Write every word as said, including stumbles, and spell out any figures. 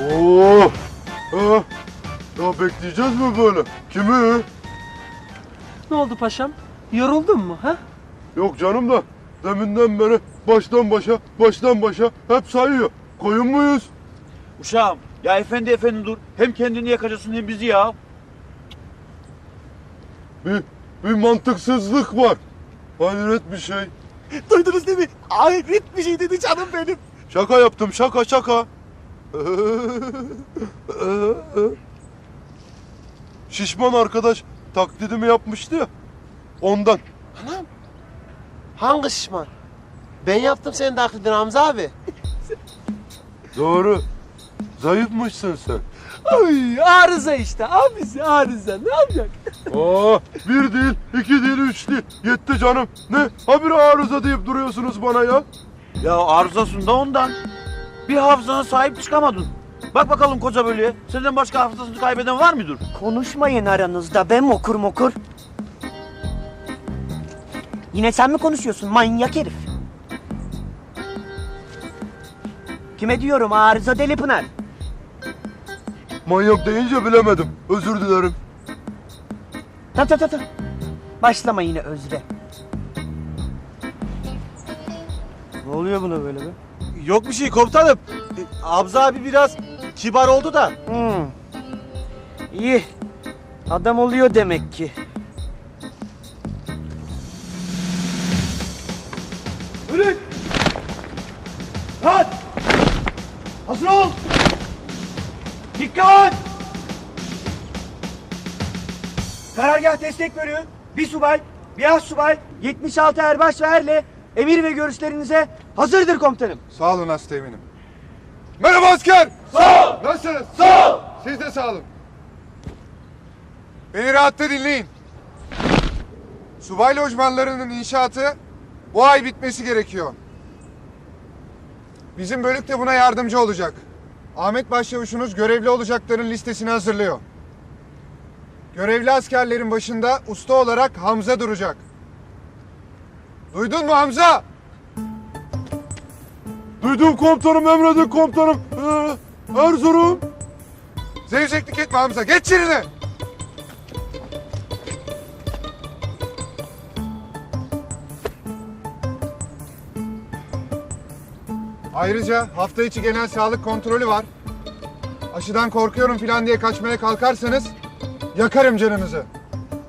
Oo. Ha. Ya bekleyeceğiz mi böyle? Kimi? Ne oldu paşam? Yoruldun mu ha? Yok canım da deminden beri baştan başa, baştan başa hep sayıyor. Koyun muyuz? Uşağım ya efendi efendi dur. Hem kendini yakacaksın hem bizi ya. Bir, bir mantıksızlık var. Hayret bir şey. Duydunuz değil mi? Hayret bir şey dedi canım benim. Şaka yaptım, şaka şaka. Şişman arkadaş taklidimi yapmıştı ya. Ondan. Anam. Hangi şişman? Ben yaptım senin taklidini Hamza abi. Doğru. Zayıfmışsın sen. Ay arıza işte abisi arıza ne yapacak? Aa, bir değil, iki değil, üç değil. Yetti canım. Ne? Habire arıza deyip duruyorsunuz bana ya. Ya arızasında ondan. Bir hafızana sahip çıkamadın. Bak bakalım koca bölüye. Senden başka hafızasını kaybeden var mıdır? Konuşmayın aranızda be mokur mokur. Yine sen mi konuşuyorsun manyak herif? Kime diyorum arıza Deli Pınar? Manyak deyince bilemedim. Özür dilerim. Ta ta ta ta. Başlama yine özre. Ne oluyor buna böyle be? Yok bir şey komutanım. E, Hamza abi biraz kibar oldu da. Hmm. İyi. Adam oluyor demek ki. Bülük! Rahat! Hazır ol! Dikkat! Karargah destek bölüğü, bir subay, bir az subay, yetmiş altı erbaş ve erle emir ve görüşlerinize hazırdır komutanım. Sağ olun Asteğmen'im. Merhaba asker. Sağ ol. Nasılsınız? Sağ ol. Siz de sağ olun. Beni rahatta dinleyin. Subay lojmanlarının inşaatı bu ay bitmesi gerekiyor. Bizim bölük de buna yardımcı olacak. Ahmet Başçavuşunuz görevli olacakların listesini hazırlıyor. Görevli askerlerin başında usta olarak Hamza duracak. Duydun mu Hamza? Duydum komutanım, emredin komutanım. Ee, Erzurum. Zevzeklik etme Hamza. Geç yerine. Ayrıca hafta içi genel sağlık kontrolü var. Aşıdan korkuyorum falan diye kaçmaya kalkarsanız yakarım canınızı.